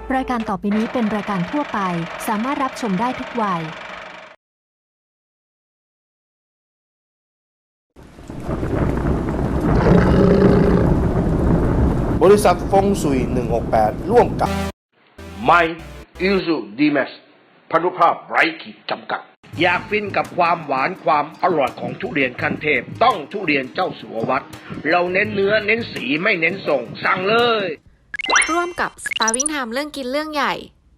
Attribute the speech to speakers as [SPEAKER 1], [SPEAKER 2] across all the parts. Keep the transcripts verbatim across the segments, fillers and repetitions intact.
[SPEAKER 1] รายการต่อไปนี้เป็นรายการทั่วไปสามารถรับชมได้ทุกวัย
[SPEAKER 2] บริษัทฟงสุยหนึ่งหกแปดร่วมกับ
[SPEAKER 3] ไมอิลซูดีแมสพานุภาพไร้ขีดจำกัดอยากฟินกับความหวานความอร่อยของทุเรียนขั้นเทพต้องทุเรียนเจ้าสัววัดเราเน้นเนื้อเน้นสีไม่เน้นส่งสั่งเลย
[SPEAKER 4] ร่วมกับ Starving Time เรื่องกินเรื่องใหญ่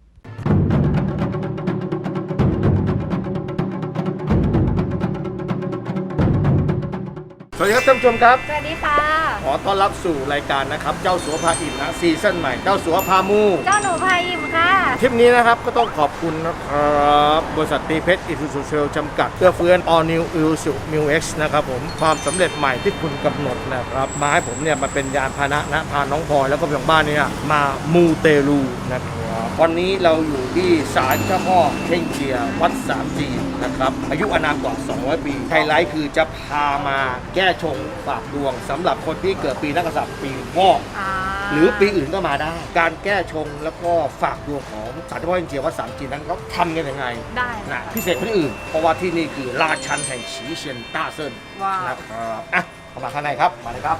[SPEAKER 2] สวัสดีครับท่านผู้ชมครับ
[SPEAKER 5] สวัสดีค่ะ
[SPEAKER 2] ขอต้อนรับสู่รายการนะครับเจ้าสัวพาอิ่มนะซีซั่นใหม่เจ้าสัวพามู
[SPEAKER 5] เจ้าหนูพายอิ่มค่ะ
[SPEAKER 2] ทริปนี้นะครับก็ต้องขอบคุณนะครับบริษัทตีเพชรอิซูซูเซลจำกัดเพื่อเฟื้อน All New Isuzu Mu X นะครับผมความสำเร็จใหม่ที่คุณกำหนดนะครับมาให้ผมเนี่ยมาเป็นยานพาหนะนะพาน้องพลอยแล้วก็พี่ของบ้านเนี่ยมามูเตลูนะครับวันนี้เราอยู่ที่ศาลเจ้าพ่อเพ่งเจียวัดสามจีนนะครับอายุอานามกว่าสองร้อยปีไฮไลท์คือจะพามาแก้ชงฝากดวงสำหรับคนที่เกิดปีนักษัตริย์ปีวอกหรือปีอื่นก็มาได้การแก้ชงแล้วก็ฝากดวงของศาลเจ้าพ่อเพ่งเจียวัดสามจีนนั้นเขาทำกันยังไง
[SPEAKER 5] ได้
[SPEAKER 2] นะพิเศษกว่าที่อื่นเพราะว่าที่นี่คือราชันแห่งฉีเซียนต้าเซิน
[SPEAKER 5] ว้าว
[SPEAKER 2] นะครับอ่ะเข้ามาข้างในครับมาเลยครับ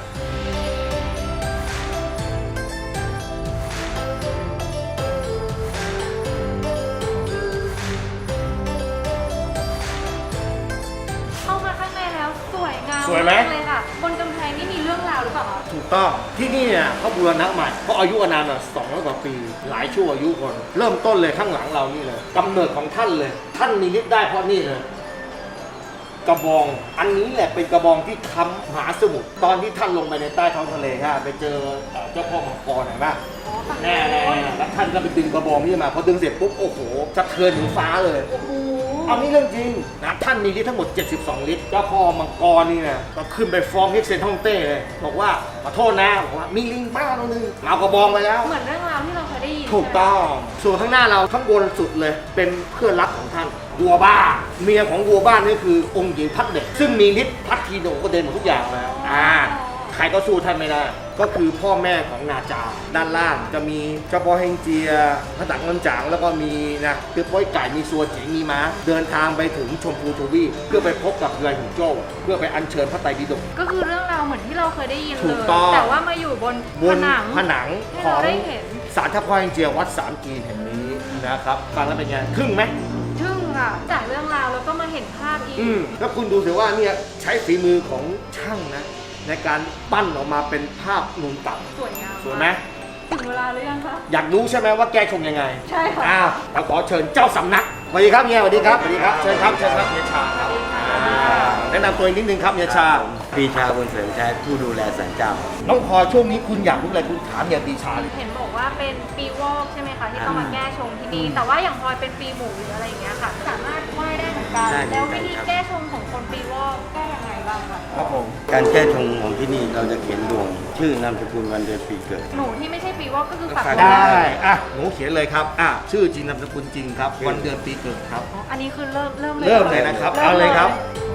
[SPEAKER 5] เข้ามาข้างในแล้วสวยงาม
[SPEAKER 2] สวยไหม
[SPEAKER 5] ากเลยค่ะบนกำแพงนี่มีเรื่องราวหรือเปล่าคะ
[SPEAKER 2] ถูกต้องที่นี่เนี่ยเขาบูรณะใหม่เพราะอายุอานามน่ะสองร้อยกว่าปีหลายชั่วอายุคนเริ่มต้นเลยข้างหลังเรานี่เลยกำเนิดของท่านเลยท่านมีฤทธิ์ได้เพราะนี่เลยกระบองอันนี้แหละเป็นกระบองที่ค้ำมหาสมุทรตอนที่ท่านลงไปในใต้ท้องทะเลฮะไปเจอเจ้าพ่อมังกรเห็นไหมแน่แน่แล้วท่านก็ไปดึงกระบองนี่มาพอดึงเสร็จปุ๊บโอ้โหสะเทือนถึงฟ้าเลย
[SPEAKER 5] โอ้โห
[SPEAKER 2] อันนี้เรื่องจริงนะท่านมีฤทธิ์ทั้งหมดเจ็ดสิบสองฤทธิ์เจ้าพ่อมังกรนี่นะก็ขึ้นไปฟ้องเฮกเซนฮ่องเต้เลยบอกว่าขอโทษนะบอกว่ามีลิงบ้าตัวนึงเอากระบองไปแล้ว
[SPEAKER 5] เหมือนเรื่องราวที่เราเคยได้ยิน
[SPEAKER 2] ถูกต้องส่วนข้างหน้าเราข้างบนสุดเลยเป็นเพื่อนรักของท่านวัวบ้าเมียของวัวบ้านนี่คือองค์หญิงพัดเด็กซึ่งมีฤทธิ์พัดทีโดก็เด่นหมดทุกอย่างแล้วอ่าใครก็สู้ท่านไม่ได้ก็คือพ่อแม่ของนาจาด้านล่างจะมีเจ้าพ่อเฮงเจียพระตักเงินจางแล้วก็มีนะคือป้อยไก่มีซัวเจ๋งมีม้าเดินทางไปถึงชมพูทวีปเพื่อไปพบกับเรือหินโจ้เพื่อไปอัญเชิญพระไตรปิฎก
[SPEAKER 5] ก็คือเรื่องราวเหมือนที่เราเคยได้ยิน
[SPEAKER 2] ถู
[SPEAKER 5] เล
[SPEAKER 2] ก
[SPEAKER 5] ย
[SPEAKER 2] ต้อง
[SPEAKER 5] แต่ว่ามาอยู่บน
[SPEAKER 2] บ
[SPEAKER 5] ผ
[SPEAKER 2] น
[SPEAKER 5] นัง
[SPEAKER 2] ผนัง
[SPEAKER 5] ให้
[SPEAKER 2] ขอ
[SPEAKER 5] เรา
[SPEAKER 2] ง
[SPEAKER 5] ได้เห็น
[SPEAKER 2] ศาลเจ้าพ่อเฮงเจียวัดสามจีนแห่งนี้นะครับฟังแล้วเป็นไงทึ่งไหม
[SPEAKER 5] ทึ่งค่ะจากเรื่องราวแล้วก็มาเห็นภาพอีก
[SPEAKER 2] อืมแล้วคุณดูสิว่าเนี่ยใช้ฝีมือของช่างนะในการปั้นออกมาเป็นภาพนูนต่ำ
[SPEAKER 5] สวยงาม
[SPEAKER 2] สวยไหม
[SPEAKER 5] ถึงเวลาหรือยังคะ
[SPEAKER 2] อยากรู้ใช่ไหมว่าแก้ชงยังไง
[SPEAKER 5] ใช่ค่ะ
[SPEAKER 2] อ้าวเราขอเชิญเจ้าสำนักสวัสดีครับเฮียสวัสดีครับสวัสดีครับเชิญครับเชิญครับเฮียชาครับอ่าแนะนำตัวเองนิดนึงครับเฮียชา
[SPEAKER 6] ปีชาบุญเสริมชัยผู้ดูแลศาลเจ้า
[SPEAKER 2] น้องพลอยช่วงนี้คุณอยากรู้อะไรคุณถามเฮียปีชาเลย
[SPEAKER 5] เห็นบอกว่าเป็นปีวอกใช่ไหมคะที่ต้องมาแก้ชงที่นี่แต่ว่าอย่างพลอยเป็นปีหมูหรืออะไรอย่างเงี้ยค่ะ สามารถไหว้ได้เหมือนกัน
[SPEAKER 6] ได้เหมือนกัน
[SPEAKER 5] แล้ววิธี
[SPEAKER 6] ครับ
[SPEAKER 5] แก้ชงของคนปีวอกแก้ยังไงบ้างคะ
[SPEAKER 2] ครับผม
[SPEAKER 6] การแก้ชงของที่นี่เราจะเขียนดวง ชื่อนามสกุลวันเดือนปีเกิด
[SPEAKER 5] หนูที่ไม่ใช่ปีวอกก็คือฝาก
[SPEAKER 6] ฝาก
[SPEAKER 5] ไว้
[SPEAKER 2] ได้
[SPEAKER 5] ได้
[SPEAKER 2] อ่ะหนูเขียนเลยครับอ่ะชื่อจริงนามสกุลจริงครับวันเดือนปีเกิดครับ
[SPEAKER 5] อ๋ออันนี้คือเริ่มเริ่มเลย
[SPEAKER 2] เริ่มเลยนะครับเอาเลยครับ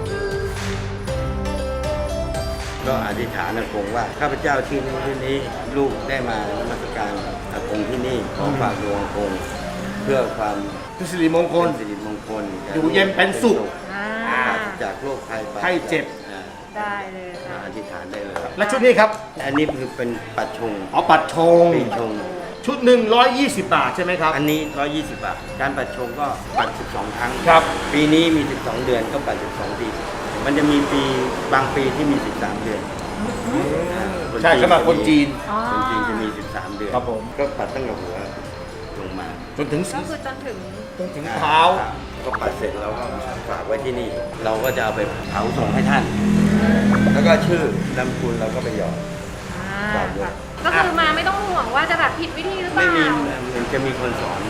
[SPEAKER 6] ก็อธิษฐานอากงว่าข้าพเจ้าที่นี้ที่นี้ลูกได้มานมัสการอากงที่นี่ขอฝากดวงอากงเพื่อความ
[SPEAKER 2] เป็นสิริมงคล
[SPEAKER 6] เป็นสิริมงคล
[SPEAKER 2] อยู่เย็นเป็นสุข
[SPEAKER 5] อ่า
[SPEAKER 6] ปราศจากโรคภัย
[SPEAKER 2] ไข้เจ็บ
[SPEAKER 6] อ่า
[SPEAKER 5] ได้เลยค่ะ
[SPEAKER 6] อธิษฐานได้เลยครับ
[SPEAKER 2] และชุดนี้ครับ
[SPEAKER 6] อันนี้คือเป็นปัดชง
[SPEAKER 2] อ๋อปัดชง
[SPEAKER 6] ปีชง
[SPEAKER 2] ชุดหนึ่งร้อยยี่สิบบาทใช่ไหมครับ
[SPEAKER 6] อันนี้หนึ่งร้อยยี่สิบบาท การปัดชงก็ปัดสิบสองครั้ง
[SPEAKER 2] ครับ
[SPEAKER 6] ปีนี้มี สิบสอง เดือนก็ปัดสิบสองปี มันจะมีปีบางปีที่มี สิบสาม เดือนอ่า
[SPEAKER 2] ใช่สำหรับคนจีน
[SPEAKER 5] อ๋อ
[SPEAKER 6] คนจีนจะมี สิบสาม เดือน
[SPEAKER 2] ครับผม
[SPEAKER 6] ก็ปัดตั้งแต่หัวลงมา
[SPEAKER 2] จนถึง
[SPEAKER 5] ก็คือจนถึง
[SPEAKER 2] จนถึงเท้า
[SPEAKER 6] ก็ปัดเสร็จเราก็ฝากไว้ที่นี่ เราก็จะเอาไปเผาส่งให้ท่าน แล้วก็ชื่อนามสกุลเราก็ไปหยอด
[SPEAKER 5] อ่า
[SPEAKER 6] ฝากด้วย
[SPEAKER 5] ค่ะก็คือมาไม่ต้องห่วงว่าจะแบบผิดวิธีหรือเป
[SPEAKER 6] ไม่
[SPEAKER 5] ล่า
[SPEAKER 6] มีมันจะมีคนสอน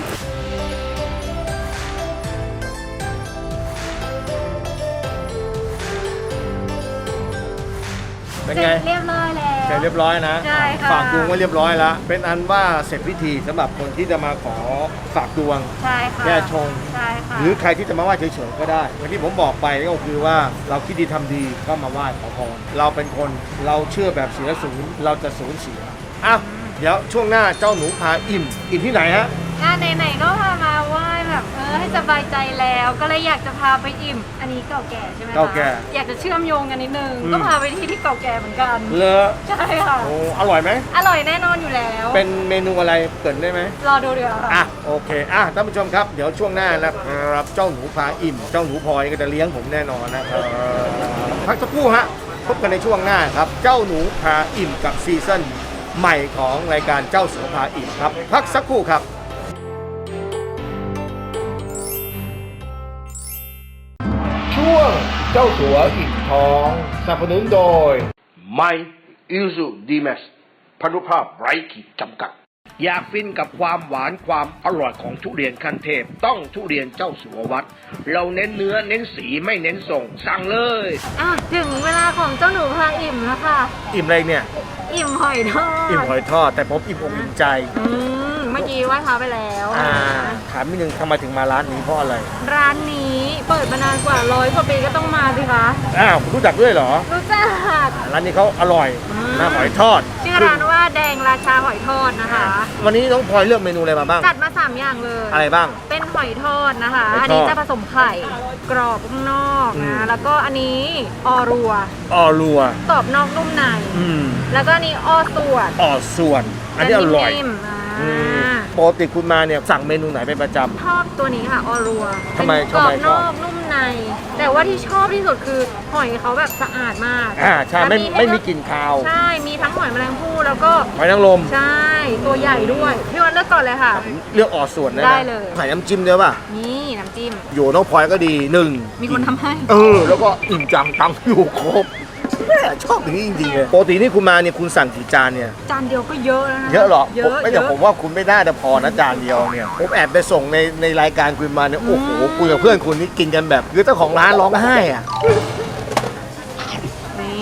[SPEAKER 2] เป็น
[SPEAKER 5] เส
[SPEAKER 2] ไง
[SPEAKER 5] ร็จเรียบร้อยแล้ว
[SPEAKER 2] เสร็จเรียบร้อยนะ
[SPEAKER 5] ใช่ค่ะ
[SPEAKER 2] ฝากดวงไว้เรียบร้อยแล้ว เป็นอันว่าเสร็จพิธีสำหรับคนที่จะมาขอฝากดวง
[SPEAKER 5] ใช่ค่ะ
[SPEAKER 2] แก้ชง
[SPEAKER 5] ใช่ค่ะ
[SPEAKER 2] หรือใครที่จะมาไหว้เฉยๆก็ได้อย่างที่ผมบอกไปก็คือว่าเราคิดดีทำดีก็มาไหว้ขอพรเราเป็นคนเราเชื่อแบบเสียศูนย์เราจะศูนย์เสียอ่ะเดี๋ยวช่วงหน้าเจ้าหนูพาอิ่มอิ่มที่ไหนฮะ
[SPEAKER 5] อ่ะไหนๆก็พามาไหว้แบบเออให้สบายใจแล้วก็เลยอยากจะพาไปอิ่ม อันนี้เก่าแก่ใช่ไหมคะ
[SPEAKER 2] เก่าแก่
[SPEAKER 5] อยากจะเชื่อมโยงกันนิดนึง
[SPEAKER 2] อืม
[SPEAKER 5] ก็พาไปที่ที่เก่าแก่เหมือนกัน
[SPEAKER 2] เลอะ
[SPEAKER 5] ใช่ค่ะ
[SPEAKER 2] โอ้อร่อยไหม
[SPEAKER 5] อร่อยแน่นอนอยู่แล้ว
[SPEAKER 2] เป็นเมนูอะไรเกรินได้ไหม
[SPEAKER 5] รอดูเดี๋ยวค่ะ
[SPEAKER 2] อ่ะโอเคอ่ะท่านผู้ชมครับเดี๋ยวช่วงหน้านะครับเจ้าหนูพาอิ่ม เจ้าหนูพลอยก็จะเลี้ยงผมแน่นอนนะครับพักสักครู่ฮะพบกันในช่วงหน้าครับเจ้าหนูพาอิ่มกับซีซั่นใหม่ของรายการเจ้าสัวพาอิ่มครับพักสักครู่ครับ ช่วงเจ้าสัวอิ่มท้องสนับสนุนโดย
[SPEAKER 3] ไมอิลซูดีแมสพานุภาพไร้ขีดจำกัด อยากฟินกับความหวานความอร่อยของทุเรียนขั้นเทพ ต้องทุเรียนเจ้าสัววัด เราเน้นเนื้อเน้นสีไม่เน้นส่ง สั่งเลย
[SPEAKER 5] อ่ะถึงเวลาของเจ้าหนูพาอิ่มแล้วค่ะ
[SPEAKER 2] อิ่มอะไรเนี่ย
[SPEAKER 5] อิ่มหอยทอด
[SPEAKER 2] อิ่มหอยทอดแต่ผมอิ่มอกอิ่มใจ
[SPEAKER 5] อืมเมื่อกี้ไหว้พระไปแล้ว
[SPEAKER 2] อ่าถามนิดนึงทำไมถึงมาร้านนี้เพราะอะไร
[SPEAKER 5] ร้านนี้เปิดมานานกว่าร้อยกว่าปีก็ต้องมาสิคะ
[SPEAKER 2] อ้าวคุณรู้จักด้วยเหรอ
[SPEAKER 5] รู้จัก
[SPEAKER 2] ร้านนี้เขาอร่อย
[SPEAKER 5] อืม
[SPEAKER 2] น้ำหอยทอด
[SPEAKER 5] ชื่อร้านว่าแดงราชาหอยทอดนะคะ
[SPEAKER 2] วันนี้น้องพลอยเลือกเมนูอะไรมาบ้าง
[SPEAKER 5] จัดมาสามอย่างเลย
[SPEAKER 2] อะไรบ้าง
[SPEAKER 5] เป็นหอยทอดนะคะ
[SPEAKER 2] หอยทอด
[SPEAKER 5] อันนี้จะผสมไข่กรอบข้างนอก
[SPEAKER 2] อืม
[SPEAKER 5] นะแล้วก็อันนี้ออรัว
[SPEAKER 2] ออรัว
[SPEAKER 5] กรอบนอกนุ่มใน
[SPEAKER 2] อืม
[SPEAKER 5] แล้วก็อันนี้ออส่วน
[SPEAKER 2] ออส่วน อันนี้อร่อย
[SPEAKER 5] นิ่มๆอ่า
[SPEAKER 2] อืมปกติคุณมาเนี่ยสั่งเมนูไหนเป็นประจ
[SPEAKER 5] ชอบตัวนี้ค่ะออรัว
[SPEAKER 2] ทำไม
[SPEAKER 5] เป็นกรอบ
[SPEAKER 2] ทำไมช
[SPEAKER 5] น
[SPEAKER 2] อบ
[SPEAKER 5] อกนุ่มใน แต่ว่าที่ชอบที่สุดคือหอยเขาแบบสะอาดมาก
[SPEAKER 2] ำอ่าใช่ไม่
[SPEAKER 5] แล้ว
[SPEAKER 2] ไม่มี
[SPEAKER 5] ให้
[SPEAKER 2] กลิ่นคาว
[SPEAKER 5] ใช่ มีทั้งหอยแมลงภู่แล้วก็
[SPEAKER 2] หอยนางรม
[SPEAKER 5] ใช่ ตัวใหญ่ด้วย พี่วันเลือกก่อนเลยค่ะ
[SPEAKER 2] เลือกออส่วนได้
[SPEAKER 5] ได้
[SPEAKER 2] ไหม
[SPEAKER 5] เลย
[SPEAKER 2] ใส่น้ำจิ้มด้วยป่ะ
[SPEAKER 5] นี่น้ำจิ้ม
[SPEAKER 2] อยู่น้องพลอยก็ดีหนึ่ง
[SPEAKER 5] มีคนทำให้
[SPEAKER 2] เออ แล้วก็อิ่มจังตังอยู่ครบแม่ชอบอย่างนี้จริงๆเลยปกตินี่คุณมาเนี่ยคุณสั่งกี่จานเนี่ย
[SPEAKER 5] จานเดียวก็เยอะแล้วนะ
[SPEAKER 2] เยอะเหรอ
[SPEAKER 5] เย
[SPEAKER 2] ผม
[SPEAKER 5] อะ
[SPEAKER 2] ไม่
[SPEAKER 5] เย
[SPEAKER 2] แต่
[SPEAKER 5] อะ
[SPEAKER 2] ผมว่าคุณไม่น่าจะพอนะจานเดียวเนี่ยผมแอบไปส่งในในรายการคุณมาเนี่ยโอ้โห
[SPEAKER 5] อืม
[SPEAKER 2] คุยกับเพื่อนคุณนี่กินกันแบบคือเจ้าของร้านร้องไห้อ่ะ
[SPEAKER 5] นี่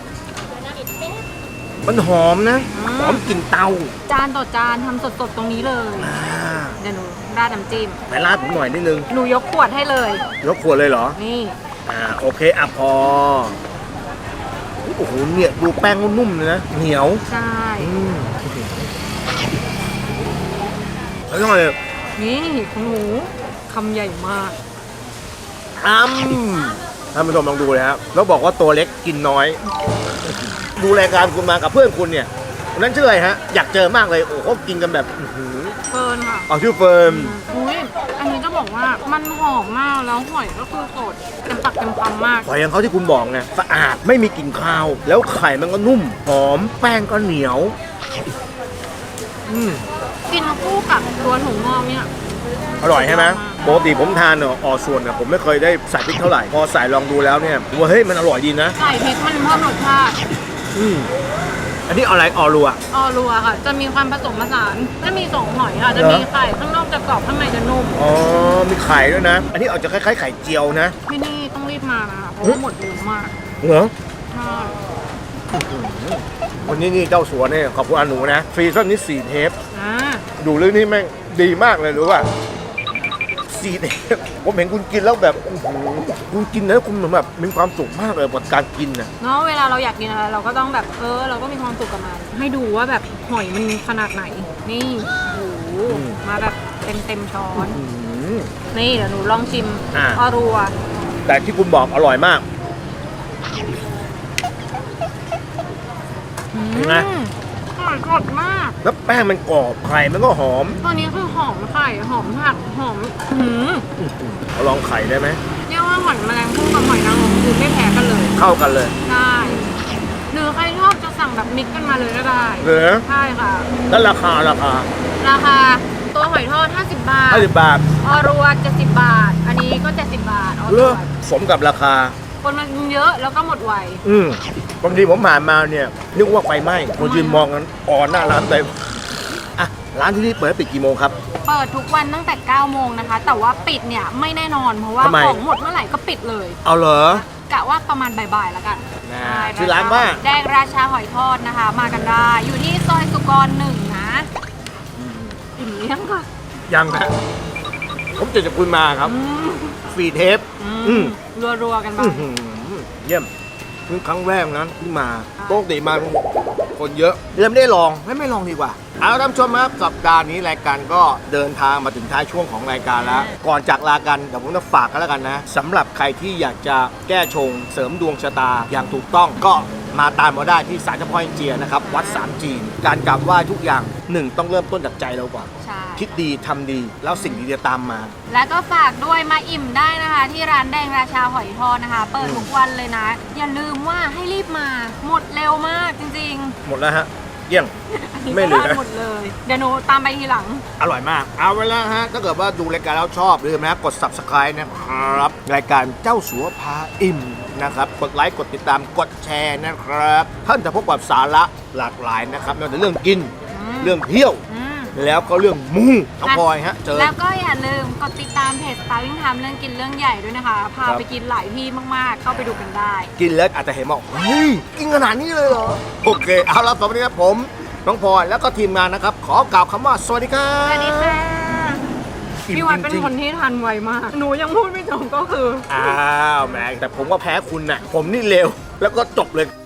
[SPEAKER 2] มันหอมนะ
[SPEAKER 5] อืม
[SPEAKER 2] หอมกลิ่นเตา
[SPEAKER 5] จานต่อจานทำสดๆตรงนี้เลย
[SPEAKER 2] อ่า
[SPEAKER 5] เดี๋ยวหนูราดน้ำจิ้ม
[SPEAKER 2] ไปราดผมหน่อยนิดนึง
[SPEAKER 5] หนูยกขวดให้เลย
[SPEAKER 2] ยกขวดเลยเหรอ
[SPEAKER 5] นี่
[SPEAKER 2] อ่าโอเคอ่ะพอโอ้โหเนี่ยดูแป้งนุ่มเลยนะเหนียว
[SPEAKER 5] ใช่
[SPEAKER 2] อืมแล้วก็เลย
[SPEAKER 5] นี่ของหนูคำใหญ่มาก
[SPEAKER 2] อ้ำท่านผู้ชมลองดูเลยครับแล้วบอกว่าตัวเล็กกินน้อย ดูรายการคุณมากับเพื่อนคุณเนี่ยวันนั้นชื่ออะไรฮะ อยากเจอมากเลย โอ้โหกินกันแบบอื้อหือ
[SPEAKER 5] เฟิร์นค่ะ
[SPEAKER 2] เอาชื่อเฟิร์ม
[SPEAKER 5] อุ้ยอันนี้จะบอกว่ามันหอมมากแล้วหอยก็คือสดเต็มปากเต็มคำมาก
[SPEAKER 2] หอยอย่างเขาที่คุณบอกไงสะอาดไม่มีกลิ่นคาว แล้วไข่มันก็นุ่ม หอม แป้งก็เหนียว อืม
[SPEAKER 5] กินคู่กับตัวหนูงอกเนี่ย
[SPEAKER 2] อร่อยใช่ไหมปกติผมทานเนอะออส่วนเนี่ยผมไม่เคยได้ใส่พริกเท่าไหร่ พอใส่ลองดูแล้วเนี่ยผมว่าเฮ้ยมันอร่อยดีนะ
[SPEAKER 5] ใส่พริกมันเพิ่มรสชาติ
[SPEAKER 2] อืมอันนี้อะไรออรัว
[SPEAKER 5] ออรัวค่ะ จะมีความผสมผสานจะมีสองหอยค่ะ จะ
[SPEAKER 2] เหรอ
[SPEAKER 5] มีไข่ข้างนอกจะกรอบข้างในจะนุ่ม
[SPEAKER 2] อ๋อ มีไข่ด้วยนะ อันนี้อาจจะคล้ายๆไข่เจียวนะ
[SPEAKER 5] ที่นี่ต้องรีบมานะคะเพราะว่าหมดเร็วมาก
[SPEAKER 2] เหรอ
[SPEAKER 5] ใช่
[SPEAKER 2] วันนี้นี่เจ้าสัวเนี่ยขอบคุณอาหนูนะฟรีซั่นนี้สี่เทป
[SPEAKER 5] อ่า
[SPEAKER 2] ดูเรื่องนี้แม่งดีมากเลยรู้ป่ะสี่เทปผมเห็นคุณกินแล้วแบบโอ้โหคุณกินแล้วคุณเหมือนแบบมีความสุขมากเลยกับการกินนะ
[SPEAKER 5] เนาะเวลาเราอยากกินอะไรเราก็ต้องแบบเออเราก็มีความสุขกับมันให้ดูว่าแบบหอยมันขนาดไหน นี่โอ้โหมาแบบเต็มเต็มช้อน
[SPEAKER 2] อืม
[SPEAKER 5] นี่เดี๋ยวหนูลองชิม
[SPEAKER 2] อ่า
[SPEAKER 5] ออรัว
[SPEAKER 2] แต่ที่คุณบอกอร่อยมาก เห็นไหม
[SPEAKER 5] อืมอร่อยสดมาก
[SPEAKER 2] แล้วแป้งมันกรอบไข่มันก็หอม
[SPEAKER 5] ตัวนี้คือหอมไข่หอมผักหอมหืม
[SPEAKER 2] เอาลองไข่ได้ไหม
[SPEAKER 5] เรียกว่าหอยแมลงภู่กับหอยนางรมคือไม่แพ้กันเลย
[SPEAKER 2] เข้ากันเลย
[SPEAKER 5] ได้หรือใครชอบจะสั่งแบบมิกซ์กันมาเลยก็ได้
[SPEAKER 2] เหรอ
[SPEAKER 5] ใช่ค่ะ
[SPEAKER 2] แล้วราคาราคา
[SPEAKER 5] ราคาตัวหอยทอดห้าสิบบาท
[SPEAKER 2] ห้าสิบบาท
[SPEAKER 5] ออรัวเจ็ดสิบบาท อันนี้ก็เจ็ดสิบบาทออ
[SPEAKER 2] เลื
[SPEAKER 5] รั
[SPEAKER 2] อ
[SPEAKER 5] ว
[SPEAKER 2] สมกับราคา
[SPEAKER 5] คนมันเยอะแล้วก็หมดไว
[SPEAKER 2] อืมบางทีผมผ่านมาเนี่ยนึกว่าไฟไหม้คนยืนมองกันอ่อนหน้าร้านเต็มอ่ะร้านที่นี่เปิดปิดกี่โมงครับ
[SPEAKER 5] เปิดทุกวันตั้งแต่เก้าโมงนะคะ แต่ว่าปิดเนี่ยไม่แน่นอนเพราะว่า
[SPEAKER 2] ทำไม
[SPEAKER 5] ของหมดเมื่อไหร่ก็ปิดเลย
[SPEAKER 2] เอาเหรอ
[SPEAKER 5] กะว่าประมาณบ่ายๆแล้วกัน
[SPEAKER 2] น่า
[SPEAKER 5] ใช่
[SPEAKER 2] ชื่อร้านว่า
[SPEAKER 5] แดงราชาหอยทอดนะคะ มากันได้ อยู่ที่ซอยสุกรหนึ่งนะอิ่มเลี้ยงค่ะ
[SPEAKER 2] ยังนะผมจะจะคุณมาครับ
[SPEAKER 5] อืม
[SPEAKER 2] ฟรีเทป
[SPEAKER 5] อื
[SPEAKER 2] อื
[SPEAKER 5] ม
[SPEAKER 2] ม
[SPEAKER 5] รัวๆกันไป
[SPEAKER 2] อื้อหือเยี่ยมเพิ่งครั้งแรกนะที่มาปกติมาคนเยอะเลยไม่ได้ลองไม่ไม่ลองดีกว่าเอาละท่านผู้ชมครับสัปดาห์นี้รายการก็เดินทางมาถึงท้ายช่วงของรายการแล้ว ก่อนจากลากันเดี๋ยวผมจะฝากกันแล้วกันนะสำหรับใครที่อยากจะแก้ชงเสริมดวงชะตาอย่างถูกต้องก็มาตามมาได้ที่ศาลเจ้าพ่อเฮงเจียนะครับวัดสามจีนการกราบไหว้ทุกอย่างหนึ่งต้องเริ่มต้นจากใจเราก่อน
[SPEAKER 5] ใช่
[SPEAKER 2] คิดดีทำดีแล้วสิ่งดีจะตามมา
[SPEAKER 5] แล้วก็ฝากด้วยมาอิ่มได้นะคะ ที่ร้านแดงราชาหอยทอดนะคะ เปิดทุกวันเลยนะ อย่าลืมว่าให้รีบมาหมดเร็วมากจริง
[SPEAKER 2] หมดแล้วฮะเยี่ยง
[SPEAKER 5] ๆ
[SPEAKER 2] ไม่เหลือ
[SPEAKER 5] หมดเลย เดี๋ยวหนูตามไปทีหลัง
[SPEAKER 2] อร่อยมาก เอาไว้แล้วฮะ ถ้าเกิดว่าดูรายการแล้วชอบลืมนะกด Subscribe นะครับ รายการเจ้าสัวพาอิ่มนะครับ กดไลค์กดติดตามกดแชร์นะครับท่านจะพบกับสาระหลากหลายนะครับไม่ว่าจะเรื่องกิน
[SPEAKER 5] อืม
[SPEAKER 2] เรื่องเที่ยว
[SPEAKER 5] อืม
[SPEAKER 2] แล้วก็เรื่องมูน้องพลอยฮะ เจอ
[SPEAKER 5] แล้วก็อย่าลืมกดติดตามเพจ Starving Time เรื่องกินเรื่องใหญ่ด้วยนะคะ พา
[SPEAKER 2] ครับ
[SPEAKER 5] ไปกินหลายที่มากๆ เข้าไปดูกันได้
[SPEAKER 2] กินแล้วอาจจะเห็นว่าเฮ้ยกินขนาดนี้เลยเหรอ โอเค เอาละสวัสดีครับผม น้องพลอยแล้วก็ทีมงานนะครับ ขอกล่าวคำว่าสวัสดีครับ
[SPEAKER 5] สวัสดีค่ะ
[SPEAKER 2] อิ่ม
[SPEAKER 5] พี่วัดเป็น
[SPEAKER 2] จริงๆ
[SPEAKER 5] คนที่ทันไวมาก หนูยังพูดไม่จบก็คือ
[SPEAKER 2] อ้าวแหม่แต่ผมก็แพ้คุณน่ะ ผมนี่เร็ว แล้วก็จบเลย